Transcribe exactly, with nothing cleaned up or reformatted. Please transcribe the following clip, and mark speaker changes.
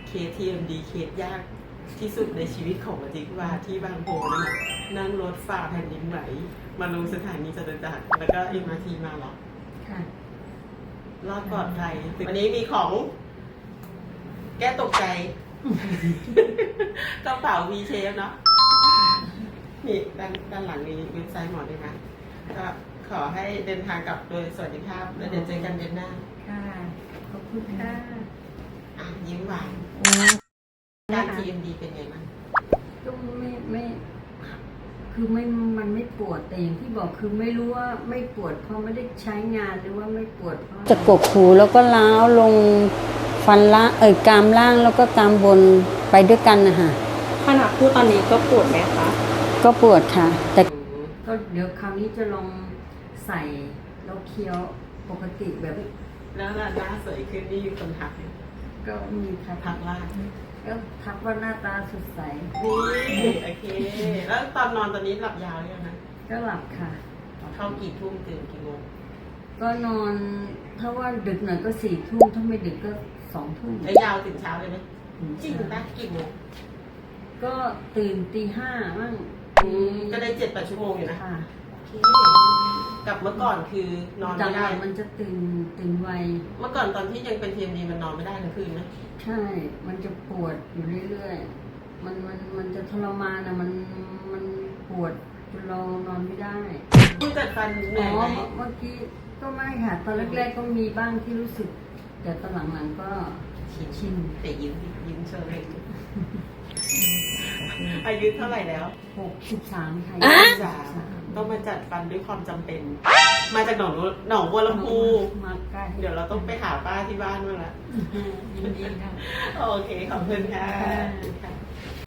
Speaker 1: เคส ที เอ็ม ดี เคสยากที่สุดในชีวิตของมาจิกว่าที่บางโพนะคะนั่งรถฝ่าแผ่นดินไหวมาลงสถานีจตุจักรแล้วก็ เอ็ม อาร์ ที มาหรอ
Speaker 2: ค่ะ
Speaker 1: รอดปลอดภัยวันนี้มีของ แก้ตกใจ กระเป๋า V shape เนาะนี่ด้านด้านหลังนี้เว็บไซต์หมอด้วยนะก็ขอให้เดินทางกลับโดยสวัสดิภาพแล้วเดี๋ยวเจอกันเดือนหน้า
Speaker 2: ค่ะขอบคุณค่ะ
Speaker 1: อ่ะยิ้มหวานการ ที เอ็ม ดี เป็นไงบ้าง
Speaker 2: ก็ไม่ไม่คือไม่มันไม่ปวดแต่อย่างที่บอกคือไม่รู้ว่าไม่ปวดเพราะไม่ได้ใช้งานหรือว่าไม่ปวดเพราะจะกกหูแล้วก็ล้าวลงฟันล่างเอ่ยกรามล่างแล้วก็กรามบนไปด้วยกันนะคะ
Speaker 3: ขณะพูดตอนนี้ก็ปวดไหมคะ
Speaker 2: ก็ปวดค่ะแต่ก็เดี๋ยวคราวนี้จะลองใส่แล้วเคี้ยวปกติแบบ
Speaker 1: แล้วหน้าสวยขึ้นนี่คนทัก
Speaker 2: ก็มีค่ะ
Speaker 1: ทักว่า
Speaker 2: ก็ทักว่าหน้าตาสดใส
Speaker 1: นี่โอเคแล้วตอนนอนตอนนี้หลับยาวหรือยังคะ
Speaker 2: ก็หลับค่ะ
Speaker 1: เข้ากี่ทุ่มตื่นกี่โมง
Speaker 2: ก็นอนถ้าว่าดึกหน่อยก็สี่ทุ่มถ้าไม่ดึกก็สองทุ่ม
Speaker 1: แล้วยาวถึงเช้าเลยไหมจริงปะกี่โมง
Speaker 2: ก็ตื่นตีห้ามั่ง
Speaker 1: ก็ได้เจ็ดแปดชั่วโมงอยู่นะกับเมื่อก่อนคือนอนไม่ได้
Speaker 2: มันจะตื่นตื่นไว
Speaker 1: เมื่อก่อนตอนที่ยังเป็น ที เอ็ม ดี มันนอนไม่ได้ทั้งคืนไหม
Speaker 2: ใช่มันจะปวดอยู่เรื่อยๆมันมันมันจะทรมานอะมันมันปวดจนเรานอนไม่ได้
Speaker 1: คุณจัดฟันเหนื่อยไหม
Speaker 2: เมื่อกี้ก็ไม่ค่ะตอนแรกๆก็มีบ้างที่รู้สึกแต่ตอนหลังๆก็ชินชิน
Speaker 1: แต่ยิ้มยิ้มเฉยอายุเท่าไหร่แล้ว
Speaker 2: หกสิบสามค่ะ
Speaker 1: ต้องมาจัดฟันด้วยความจำเป็นมาจากหนองหนองบัวลำพู
Speaker 2: มาใกล้
Speaker 1: เดี๋ยวเราต้องไปหาป้าที่บ้านบ้างละ
Speaker 2: ยินดีค่ะ
Speaker 1: โอเคขอบคุณค่ะ